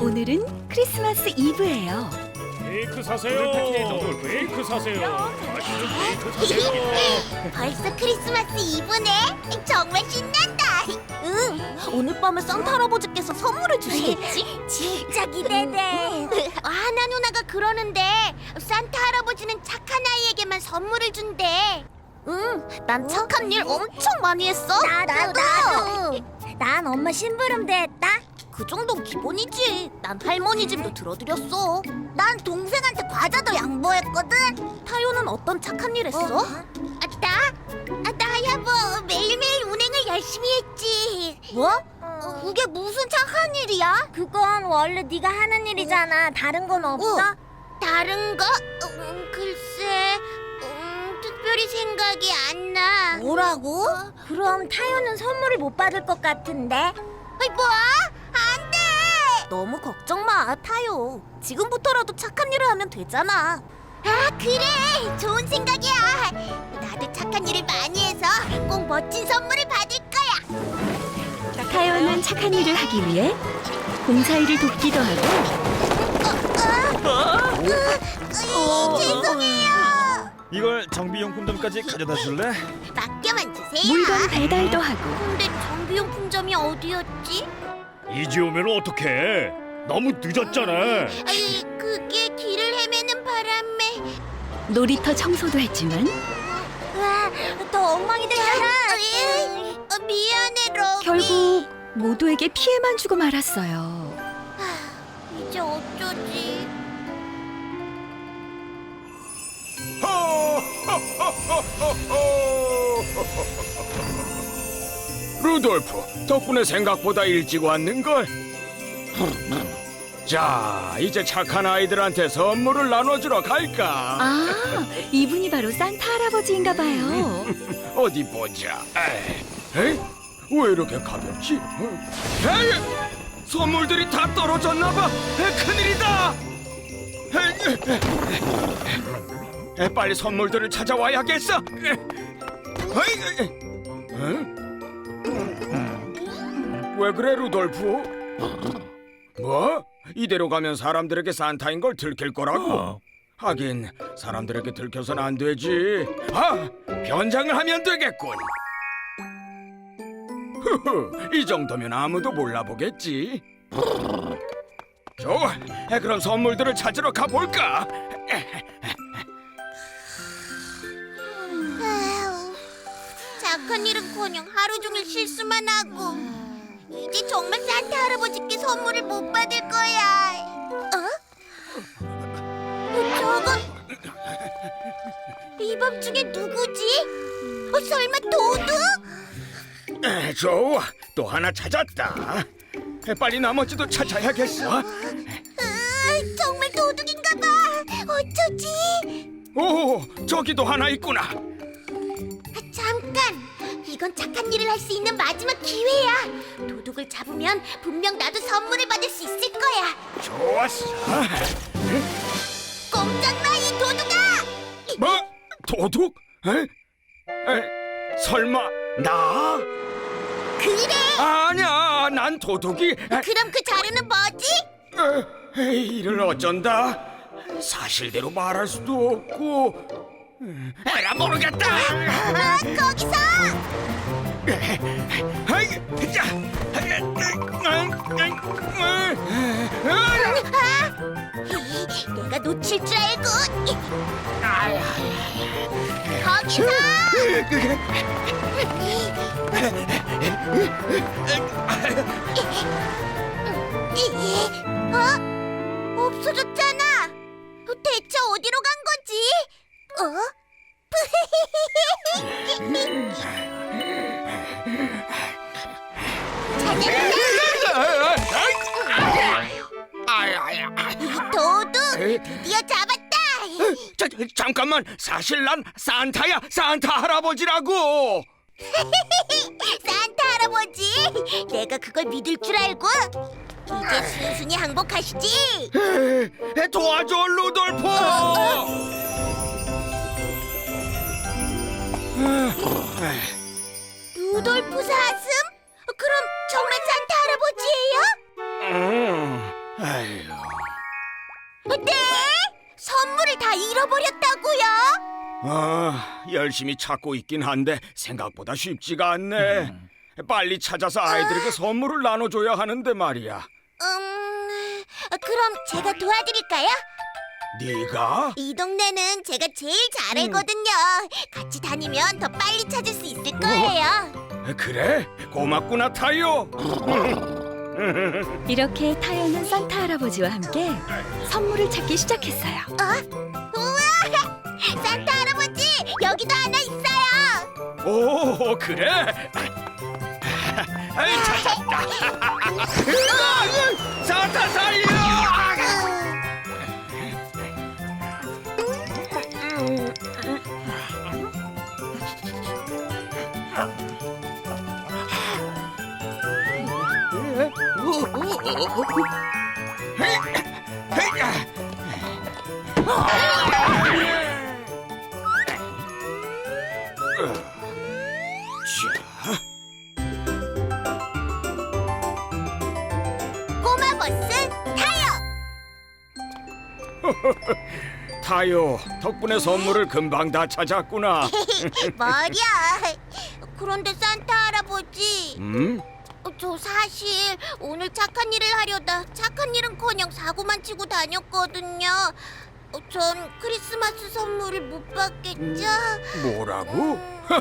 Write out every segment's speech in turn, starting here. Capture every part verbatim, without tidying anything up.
오늘은 크리스마스 이브예요. 케이크 사세요. 케이크 사세요. 맛있는 케이크 사세요. 벌써 크리스마스 이브네. 정말 신난다. 응, 오늘 밤에 산타 할아버지께서 선물을 주시겠지? 진짜 기대돼. 하나 누나가 그러는데 산타 할아버지는 착한 아이에게만 선물을 준대. 응, 난 착한 일 엄청 많이 했어. 나도, 나도. 난 엄마 심부름도 했다. 그 정도는 기본이지. 난 할머니 짐도 들어드렸어. 난 동생한테 과자도 양보했거든. 타요는 어떤 착한 일 했어? 아, 나? 아, 나야 뭐 매일매일 운행을 열심히 했지. 뭐? 그게 무슨 착한 일이야? 그건 원래 네가 하는 일이잖아. 다른 건 없어? 어, 다른 거? 음, 글쎄, 음, 특별히 생각이 안 나. 뭐라고? 그럼 타요는 선물을 못 받을 것 같은데? 아이, 뭐? 안 돼! 너무 걱정 마, 타요. 지금부터라도 착한 일을 하면 되잖아. 아, 그래! 좋은 생각이야. 나도 착한 일을 많이 해서 꼭 멋진 선물을 받을 거야. 타요는 착한 일을 하기 위해 봉사일을 돕기도 하고 어, 어, 으이, 죄송해요. 이걸 정비용품점까지 가져다 줄래? 맡겨만 주세요. 물건 배달도 하고 근데 정비용품점이 어디였지? 이제 오면 어떡해? 너무 늦었잖아. 아이, 그게 길을 헤매는 바람에. 놀이터 청소도 했지만 와, 더 엉망이 됐잖아. 어, 미안해, 러비. 결국 모두에게 피해만 주고 말았어요. 이제 어쩌지? 루돌프, 덕분에 생각보다 일찍 왔는걸. 자, 이제 착한 아이들한테 선물을 나눠주러 갈까? 아, 이분이 바로 산타 할아버지인가 봐요. 어디 보자. 에이, 에이? 왜 이렇게 가볍지? 어? 에이, 선물들이 다 떨어졌나봐. 큰일이다. 에이, 에이, 빨리 선물들을 찾아와야겠어. 에이, 에이, 에? 왜 그래, 루돌프? 뭐? 이대로 가면 사람들에게 산타인 걸 들킬 거라고? 하긴 사람들에게 들켜선 안 되지. 아, 변장을 하면 되겠군. 흐흐, 이 정도면 아무도 몰라보겠지. 좋아, 그럼 선물들을 찾으러 가볼까? 아휴, 착한 일은커녕 하루 종일 실수만 하고 이제 정말 산타 할아버지께 선물을 못 받을 거야. 어? 어, 저건 이 밤중에 누구지? 어, 설마 도둑? 에, 좋아, 또 하나 찾았다. 빨리 나머지도 찾아야겠어. 아, 정말 도둑인가 봐. 어쩌지? 오, 저기도 하나 있구나. 아, 잠깐! 이건 착한 일을 할 수 있는 마지막 기회야. 도둑을 잡으면 분명 나도 선물을 받을 수 있을 거야. 좋았어. 꼼짝마, 이 도둑아! 뭐? 도둑? 에? 에? 설마 나? 그래! 아니야, 난 도둑이. 에, 그럼 그 자료는 뭐지? 에, 에이, 이를 어쩐다. 사실대로 말할 수도 없고. 음, 에라, 모르겠다. 아, 거기서! 아이, 자, 아! 내가 놓칠 줄 알고! 거기서! 어? 없어졌잖아! 대체 어디로 간 거지? 어? 찾았다! 도둑! 드디어 잡았다! 자, 잠깐만, 사실 난 산타야, 산타 할아버지라고. 산타 할아버지! 내가 그걸 믿을 줄 알고? 이제 순순히 항복하시지! 에, 도와줘, 루돌프. 루돌프 사슴? 그럼 정말 산타 할아버지예요? 음, 아이, 열심히 찾고 있긴 한데 생각보다 쉽지가 않네. 빨리 찾아서 아이들에게 선물을 나눠줘야 하는데 말이야. 음, 그럼 제가 도와드릴까요? 네가? 이 동네는 제가 제일 잘 알거든요. 같이 다니면 더 빨리 찾을 수 있을 거예요. 그래? 고맙구나 타요. 이렇게 타요는 산타 할아버지와 함께 선물을 찾기 시작했어요. 우와! 산타 할아버지, 여기도 하나 있어요. 오 그래? 아이 찾았다. 산타 살려! 꼬마 버스 타요. 타요 덕분에 선물을 금방 다 찾았구나. 머리야. 그런데 산타 할아버지, 음? 어, 저 사실 오늘 착한 일을 하려다 착한 일은커녕 사고만 치고 다녔거든요. 어, 전 크리스마스 선물을 못 받겠죠? 뭐라고?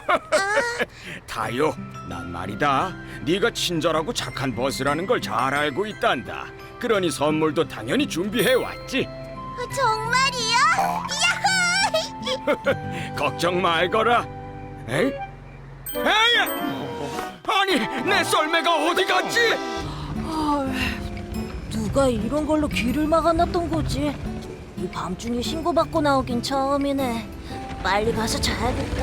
타요 난 말이다 네가 친절하고 착한 버스라는 걸 잘 알고 있단다. 그러니 선물도 당연히 준비해왔지. 어, 정말이요? 야호! 걱정 말거라. 에이? 에이! 아니 내 썰매가 어디 갔지? 누가 이런 걸로 길을 막아놨던 거지? 이 밤중에 신고받고 나오긴 처음이네. 빨리 가서 자야겠다.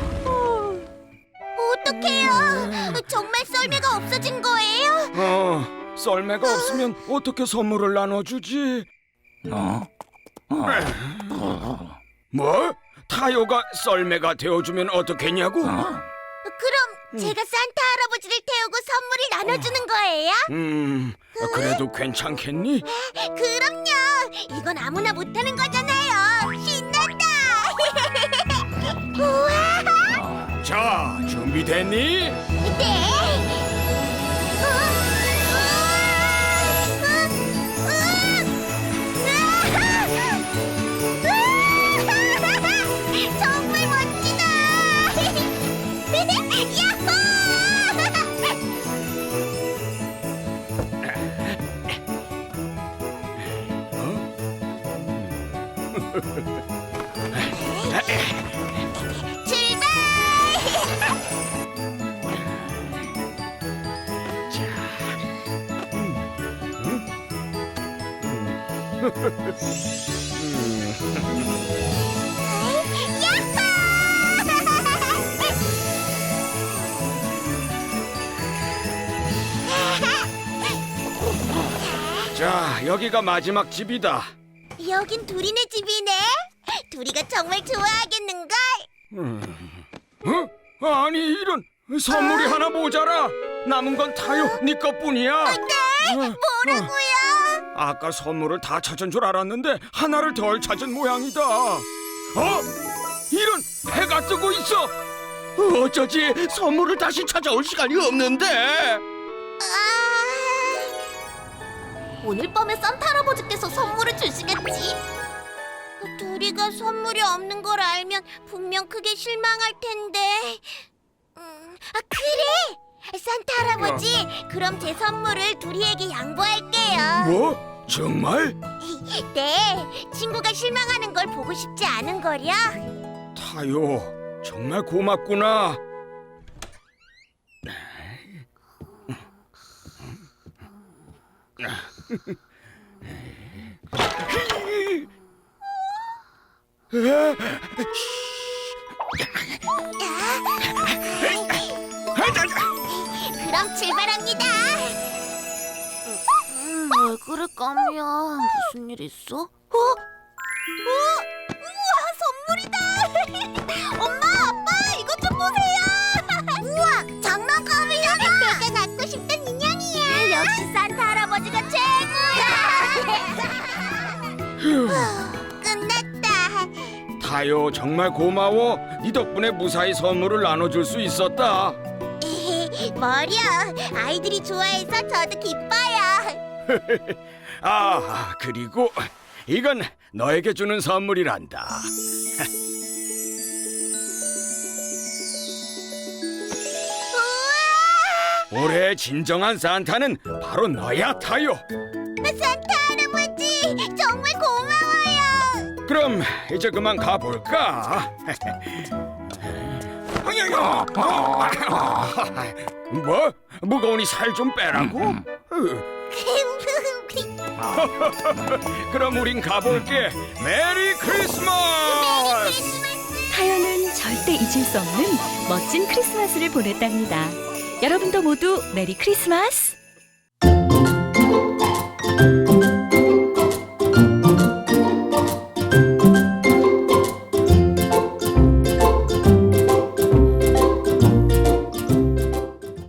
어떡해요? 정말 썰매가 없어진 거예요? 어 썰매가 없으면 어떻게 선물을 나눠주지? 뭐? 타요가 썰매가 되어주면 어떻겠냐고? 그럼 제가 산타 할아버지를 태우고 선물을 나눠주는 거예요? 음 그래도 괜찮겠니? 그럼요. 이건 아무나 못하는 거잖아요. 신난다. 우와. 자 준비됐니? 네. 정말 멋지다. 야호! 자 여기가 마지막 집이다. 여긴 두리네 집이네. 두리가 정말 좋아하겠는걸? 어? 아니 이런 선물이 하나 모자라. 남은 건 타요 네 것뿐이야. 네? 뭐라고요? 아까 선물을 다 찾은 줄 알았는데 하나를 덜 찾은 모양이다. 어? 이런 해가 뜨고 있어. 어쩌지 선물을 다시 찾아올 시간이 없는데. 아... 오늘 밤에 산타 할아버지께서 선물을 주시겠지? 두리가 선물이 없는 걸 알면 분명 크게 실망할 텐데. 음, 아 그래! 산타 할아버지, 그럼 제 선물을 두리에게 양보할게요. 뭐? 정말? 네, 친구가 실망하는 걸 보고 싶지 않은 거려. 타요 정말 고맙구나. 그럼 출발합니다. 음, 왜 그래 까미야? 무슨 일 있어? 어? 어? 우와, 선물이다! 엄마, 아빠, 이것 좀 보세요! 우와, 장난감이잖아! 내가 갖고 싶던 인형이야! 역시 산타 할아버지가 최고야! 끝났다! 타요, 정말 고마워. 네 덕분에 무사히 선물을 나눠줄 수 있었다. 머리야, 아이들이 좋아해서 저도 기뻐요. 아, 그리고 이건 너에게 주는 선물이란다. 우와! 올해 진정한 산타는 바로 너야, 타요. 산타 할아버지, 정말 고마워요. 그럼 이제 그만 가볼까? 뭐? 무거우니 살 좀 빼라고? 그럼 우린 가볼게. 메리 크리스마스! 타요는 절대 잊을 수 없는 멋진 크리스마스를 보냈답니다. 여러분도 모두 메리 크리스마스!